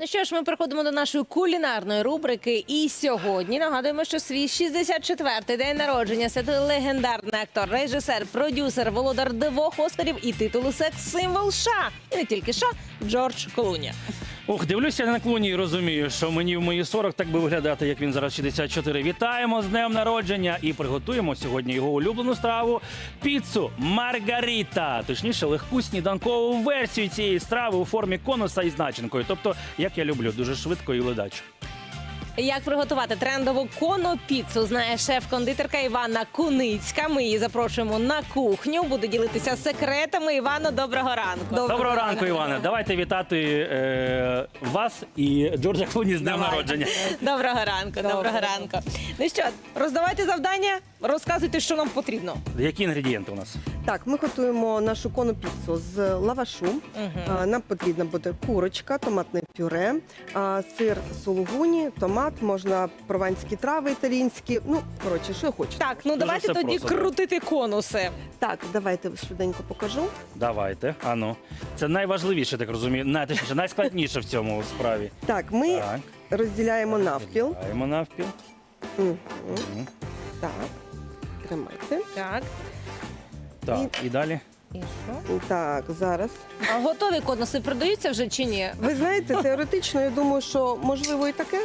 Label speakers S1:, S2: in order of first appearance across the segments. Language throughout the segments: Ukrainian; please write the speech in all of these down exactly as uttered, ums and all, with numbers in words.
S1: Ну що ж, ми переходимо до нашої кулінарної рубрики. І сьогодні нагадуємо, що свій шістдесят четвертий день народження святкує легендарний актор, режисер, продюсер, володар двох Оскарів і титулу секс-символ США. І не тільки США, Джордж Клуні.
S2: Ух, дивлюся на Клуні і розумію, що мені в мої сорок так би виглядати, як він зараз шістдесят чотири. Вітаємо з днем народження і приготуємо сьогодні його улюблену страву – піцу Маргаріта. Точніше, легку сніданкову версію цієї страви у формі конуса із начинкою. Тобто, як я люблю, дуже швидко і ледаче.
S1: Як приготувати трендову конопіцу, знає шеф-кондитерка Іванна Куницька. Ми її запрошуємо на кухню, буде ділитися секретами. Івано, доброго ранку.
S2: Доброго, доброго ранку, Іване. Давайте вітати е, вас і Джорджа Клуні з днем
S1: Давай.
S2: народження.
S1: Доброго ранку, доброго, доброго ранку. Ну що, роздавайте завдання, розказуйте, що нам потрібно.
S2: Які інгредієнти у нас?
S3: Так, ми готуємо нашу конопіцу з лавашу.
S1: Угу.
S3: А, Нам потрібна буде курочка, томатне пюре, а, сир сулугуні, томат, можна прованські трави італійські. Ну, коротше, що хочете.
S1: Так, ну
S2: Дуже
S1: давайте
S2: все
S1: тоді
S2: просто,
S1: крутити конуси.
S3: Так, давайте швиденько покажу.
S2: Давайте, ану. Це найважливіше, так розумію, най, точніше, найскладніше в цьому справі.
S3: Так, ми
S2: Так.
S3: розділяємо навпіл.
S2: Даємо навпіл.
S3: Мгм.
S2: Мгм.
S3: Так, тримайте.
S1: Так,
S2: Так, і далі.
S1: і що?
S3: Так, зараз.
S1: А готові конуси продаються вже чи ні?
S3: Ви знаєте, теоретично, я думаю, що можливо і таке.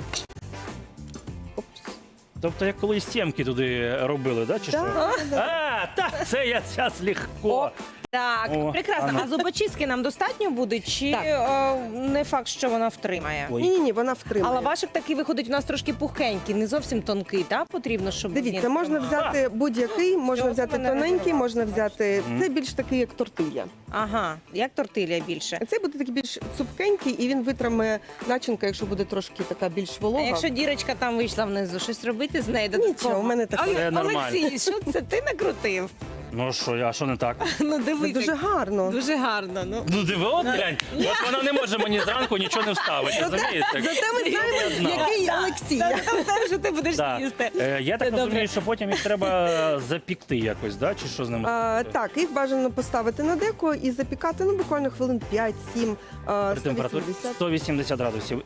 S3: Опс.
S2: Тобто, як колись сімки туди робили, да, чи що?
S3: Так, так.
S2: А, так, це я зараз легко.
S1: Так,
S2: О,
S1: прекрасно.
S2: ано.
S1: А зубочистки нам достатньо буде, чи
S3: Так.
S1: е, не факт, що вона втримає?
S2: Ой.
S3: Ні, ні, ні, вона
S1: А
S3: втримає.
S1: лавашик такий виходить у нас трошки пухенький, не зовсім тонкий, так? Потрібно, щоб
S3: Дивіться,
S1: він
S3: можна
S1: тримав.
S3: взяти будь-який, можна
S1: Цього
S3: взяти
S1: мене
S3: тоненький,
S1: розірвало,
S3: можна взяти.
S2: Мгм.
S3: Це більш такий, як тортилья.
S1: Ага, як тортилля більше.
S3: А Це буде такий більш цупкенький, і він витримає начинка, якщо буде трошки така більш
S1: А
S3: волога.
S1: якщо дірочка там вийшла внизу, щось робити з нею додатково?
S3: Нічого, у мене таке.
S1: Ой,
S2: Це нормально.
S1: Олексій, що це ти накрутив?
S2: Ну що, а що не так?
S1: Ну
S3: Це
S1: дивись,
S3: дуже
S1: як-
S3: гарно.
S1: дуже гарно. Ну.
S2: Ну диви, от глянь. От вона не може мені зранку нічого не вставити, розумієте?
S3: Зате ми
S2: Я
S3: знаємо,
S2: знав.
S3: який
S1: Да,
S3: Олексій.
S1: Та там те, що ти будеш
S2: Да.
S1: їсти.
S2: Е, Я
S1: Це
S2: так
S1: добре.
S2: розумію, що потім їх треба запікти якось, да? Чи що з ними?
S3: А, так, їх бажано поставити на деко і запікати ну, буквально хвилин п'ять-сім,
S2: При температурі сто вісімдесят градусів.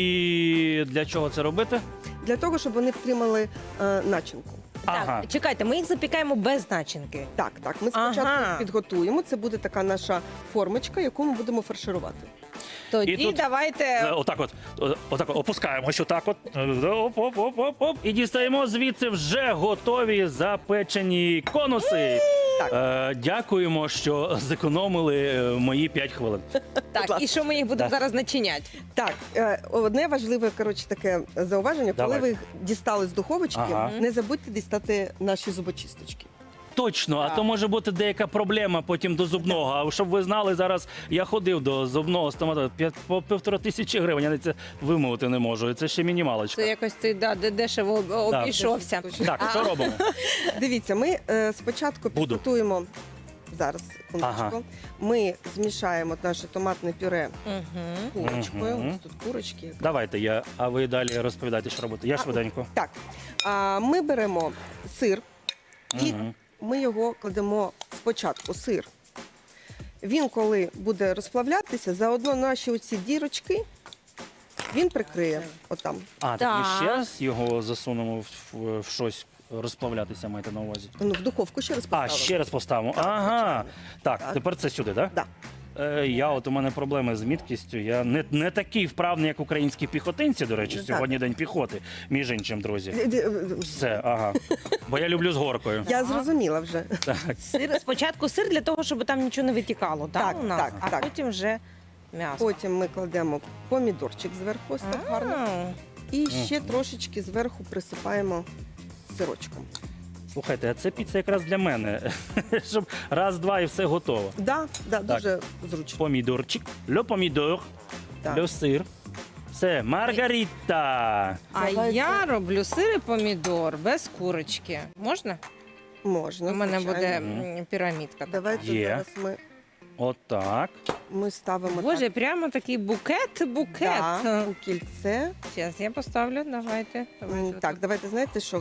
S2: І для чого це робити?
S3: для того, щоб вони втримали е, начинку.
S2: Ага.
S1: Так, чекайте, ми їх запікаємо без начинки.
S3: Так, так. Ми спочатку
S1: Ага.
S3: підготуємо. Це буде така наша формочка, яку ми будемо фарширувати.
S1: Тоді
S2: І тут- Е,
S1: давайте.
S2: Отак от, о- отак от опускаємось, отак от. Оп, оп, оп, оп, оп. І дістаємо звідси вже готові запечені конуси.
S3: Так.
S2: Е, дякуємо, що зекономили е, мої п'ять хвилин.
S1: Так, і що ми їх будемо
S3: Да.
S1: зараз начиняти?
S3: Так, е, одне важливе коротше, таке зауваження, коли
S2: Давай.
S3: ви їх дістали з духовочки,
S2: Ага.
S3: не забудьте дістати наші зубочисточки.
S2: Точно, а
S1: Так.
S2: то може бути деяка проблема потім до зубного. А щоб ви знали, зараз я ходив до зубного стоматолога, п'ять- по півтора тисячі гривень, я це вимовити не можу. Це ще мінімалочка.
S1: Це якось ти да, де- дешево об- обійшовся.
S2: Так, що робимо?
S3: Дивіться, ми е, спочатку
S2: Буду.
S3: підготуємо зараз секундочку.
S2: Ага.
S3: Ми змішаємо наше томатне пюре
S1: Угу.
S3: з курочкою.
S2: Мгм.
S3: Ось тут курочки.
S2: Давайте я, а ви далі розповідайте, що робити. Я
S3: А,
S2: швиденько.
S3: Так, а, ми беремо сир і
S2: Мгм.
S3: ми його кладемо спочатку сир. Він, коли буде розплавлятися, заодно наші оці дірочки він прикриє отам.
S2: А, так
S1: Так.
S2: ми ще раз його засунемо в, в, в щось розплавлятися, маєте на увазі.
S3: Ну, в духовку ще раз
S2: А,
S3: поставимо.
S2: ще раз поставимо.
S3: Так,
S2: Ага.
S3: звичайно.
S2: Так,
S3: Так.
S2: тепер це сюди, так?
S3: Да.
S2: Е, я от у мене проблеми з міткістю. Я не, не такий вправний, як українські піхотинці, до речі,
S3: Так.
S2: сьогодні день піхоти, між іншим, друзі.
S3: Д- д-
S2: Все, ага. Бо я люблю з горкою.
S3: Я зрозуміла вже.
S2: Так.
S1: Сир, спочатку сир для того, щоб там нічого не витікало, так,
S3: Так,
S1: у нас?
S3: так,
S1: а
S3: так.
S1: потім вже м'ясо.
S3: Потім ми кладемо помідорчик зверху, ось так гарно.
S1: А,
S3: І ще
S2: Мгм.
S3: трошечки зверху присипаємо сирочком.
S2: Слухайте, а це піца якраз для мене. Щоб раз-два і все готово.
S3: Да, да,
S2: Так.
S3: дуже зручно.
S2: Помідорчик, льо помідор,
S3: Так.
S2: льо сир. Все, Маргарита.
S1: А
S3: Давайте.
S1: я роблю сир і помідор без курочки. Можна?
S3: Можна.
S1: У мене буде
S3: звичайно.
S1: м, пірамідка.
S3: Давайте
S2: Є.
S3: зараз ми,
S2: Отак.
S3: ми ставимо
S1: Боже,
S3: так.
S1: прямо такий букет, букет.
S3: Да, у кільце.
S1: Зараз я поставлю, давайте.
S3: М,
S1: Давайте
S3: Так,
S1: отут.
S3: давайте знаєте, що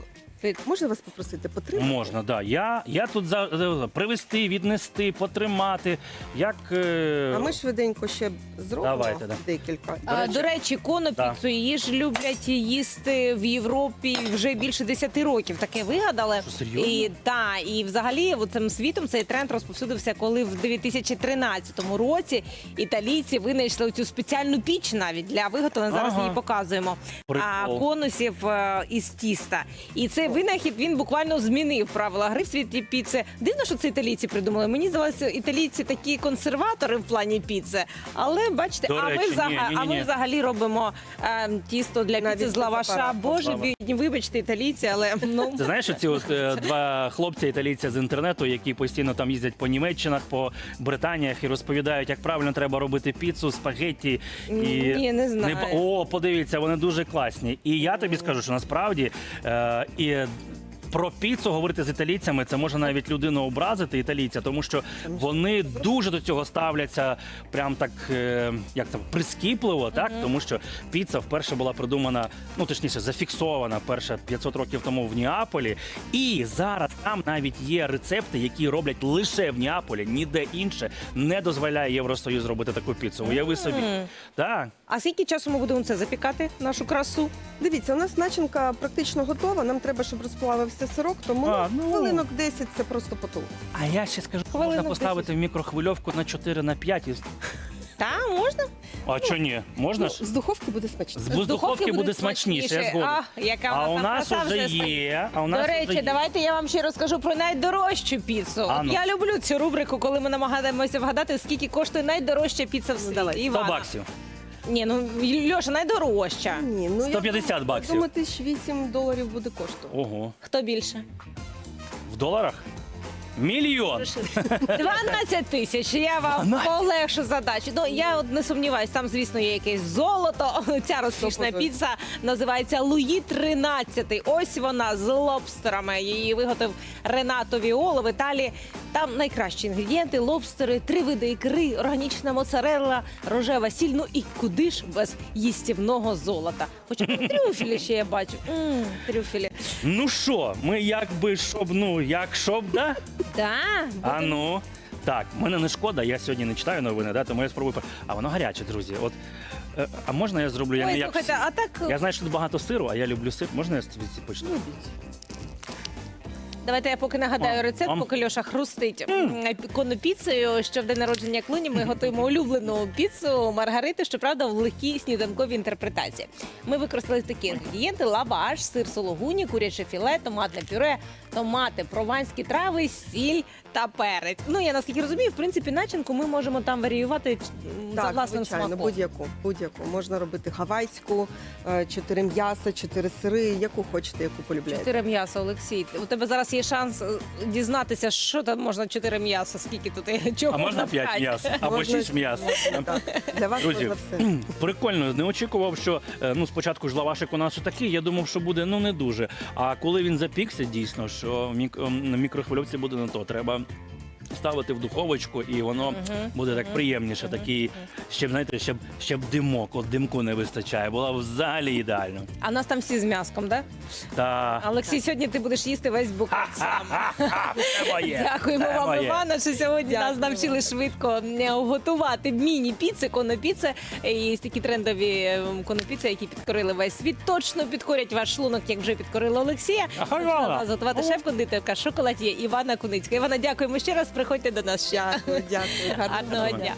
S3: Федь, можна вас попросити потримати?
S2: Можна, да. Я, я тут за, за привезти, віднести, потримати. Як. е,
S3: А ми швиденько ще зробимо
S2: Давайте, да.
S3: декілька.
S1: А, До речі, конопіцу
S2: Да.
S1: її ж люблять їсти в Європі вже більше десяти років. Таке вигадали.
S2: Що, серйозно?
S1: І, та, і взагалі от цим світом цей тренд розповсюдився, коли в дві тисячі тринадцятому році італійці винайшли цю спеціальну піч навіть для виготовлення. Зараз
S2: Ага.
S1: її показуємо.
S2: Прикол.
S1: А, конусів е, із тіста. І цей винахід він буквально змінив правила гри в світі піци. Дивно, що це італійці придумали. Мені здалося, італійці такі консерватори в плані піци. Але бачите,
S2: До
S1: а,
S2: речі,
S1: ми
S2: ні,
S1: взагалі,
S2: ні,
S1: а
S2: ні.
S1: ми взагалі робимо е, тісто для
S3: Навіть
S1: піци з
S3: без
S1: лаваша.
S3: апарату.
S1: Боже,
S2: Слава.
S1: бідні, вибачте, італійці, але ну
S2: Ти знаєш, ці от е, два хлопця італійця з інтернету, які постійно там їздять по Німеччинах, по Британіях і розповідають, як правильно треба робити піцу, спагетті. І
S1: Ні, не знаю.
S2: ба- О, подивіться, вони дуже класні. І я тобі скажу, що насправді е, і. Про піцу говорити з італійцями це може навіть людину образити, італійця, тому що вони дуже до цього ставляться прям так, е, як це, прискіпливо, так? Тому що піца вперше була придумана, ну точніше, зафіксована перше п'ятсот років тому в Неаполі. І зараз там навіть є рецепти, які роблять лише в Неаполі, ніде інше не дозволяє Євросоюз робити таку піцу. Уяви собі. Так.
S1: а скільки часу ми будемо це запікати, нашу красу?
S3: Дивіться, у нас начинка практично готова. Нам треба, щоб розплавився сирок, тому
S2: А, ну.
S3: хвилинок десять це просто потолок.
S2: А я ще скажу, можна
S1: Хвилинок
S2: поставити в мікрохвильовку на чотири на п'ять. І...
S1: Та можна?
S2: А що ні? Можна ж?
S3: Ну, з духовки буде смачно.
S2: З з духовки буде смачніше, я згоден.
S1: А, яка
S2: А у
S1: там
S2: нас
S1: краса
S2: вже
S1: вже
S2: є. А у нас
S1: До
S2: вже
S1: речі,
S2: є.
S1: давайте я вам ще розкажу про найдорожчу піцу.
S2: А ну.
S1: Я люблю цю рубрику, коли ми намагаємося вгадати, скільки коштує найдорожча піца в світі.
S3: давай.
S2: сто
S1: Івана.
S2: баксів.
S1: Ні, ну Льоша, найдорожча.
S3: Ні, ну,
S2: сто п'ятдесят
S3: я
S2: баксів.
S3: думаю, тисяч вісім доларів буде коштувати.
S2: Ого.
S1: Хто більше?
S2: В доларах? Мільйон.
S1: дванадцять тисяч. Я вам
S2: дванадцять?
S1: полегшу задачу. Ну, я от не сумніваюсь, там, звісно, є якесь золото. Ця розкішна
S3: Сто
S1: піца називається Луї тринадцятий. Ось вона з лобстерами. Її виготовив Ренато Віоло в Італії. Там найкращі інгредієнти: лобстери, три види ікри, органічна моцарелла, рожева сіль. Ну і куди ж без їстівного золота? Хоча б трюфелі ще я бачу. М, трюфелі.
S2: Ну що, ми якби щоб, ну, як щоб, да?
S1: Да,
S2: А ну. Так, мене не шкода, я сьогодні не читаю новини, да, тому я спробую. А воно гаряче, друзі. От, е, а можна я зроблю? Я
S1: Ой,
S2: не як
S1: слухайте,
S2: всі?
S1: а так
S2: Я знаю, що тут багато сиру, а я люблю сир. Можна я з ці почну?
S1: давайте я поки нагадаю
S2: О,
S1: рецепт,
S2: ам.
S1: поки Льоша хрустить конопіцею, що в день народження Клуні ми готуємо улюблену піцу Маргарити, щоправда, в легкій сніданковій інтерпретації. Ми використали такі інгредієнти: лаваш, сир сологуні, куряче філе, томатне пюре, томати, прованські трави, сіль та перець. Ну, я наскільки розумію, в принципі, начинку ми можемо там варіювати м, за
S3: Так,
S1: власним
S3: звичайно,
S1: смаком.
S3: будь-яку, будь-яку. Можна робити гавайську, е, чотири м'яса, чотири сири, яку хочете, яку полюбляєте.
S1: Чотири м'яса, Олексій. У тебе зараз є шанс е, дізнатися, що там можна чотири м'яса, скільки тут і чого
S2: А можна п'ять
S1: пхати.
S2: м'яс? Або
S3: Можна-
S2: шість м'яс?
S3: Так, для вас
S2: Друзі,
S3: можна все.
S2: прикольно, не очікував, що е, ну спочатку ж лавашик у нас такий, я думав, що буде ну не дуже. А коли він запікся, дійсно, що в мік- ем, на мікрохвильовці буде не то. Треба ставити в духовочку, і воно буде так приємніше. Такий, щоб знаєте, щоб, щоб димок, от димку не вистачає. Було б взагалі ідеально.
S1: А нас там всі з м'яском, так?
S2: Та
S1: Олексій, сьогодні ти будеш їсти весь букет сам.
S2: це моє.
S1: Дякуємо
S2: це
S1: вам,
S2: моє.
S1: Івана, що сьогодні нас
S3: Дякую.
S1: навчили швидко е, готувати міні-піци, конопіци. І такі трендові е, конопіци, які підкорили весь світ, точно підкорять ваш шлунок, як вже підкорили Олексія.
S2: Ага,
S1: Почала
S2: Івана.
S1: нас готувати шеф-кондитерка шоколад'є Івана Куницька. Івана, дякуємо ще раз. Приходьте до нас ще.
S3: Дякую, дякую. Гарного
S1: Гарного дня.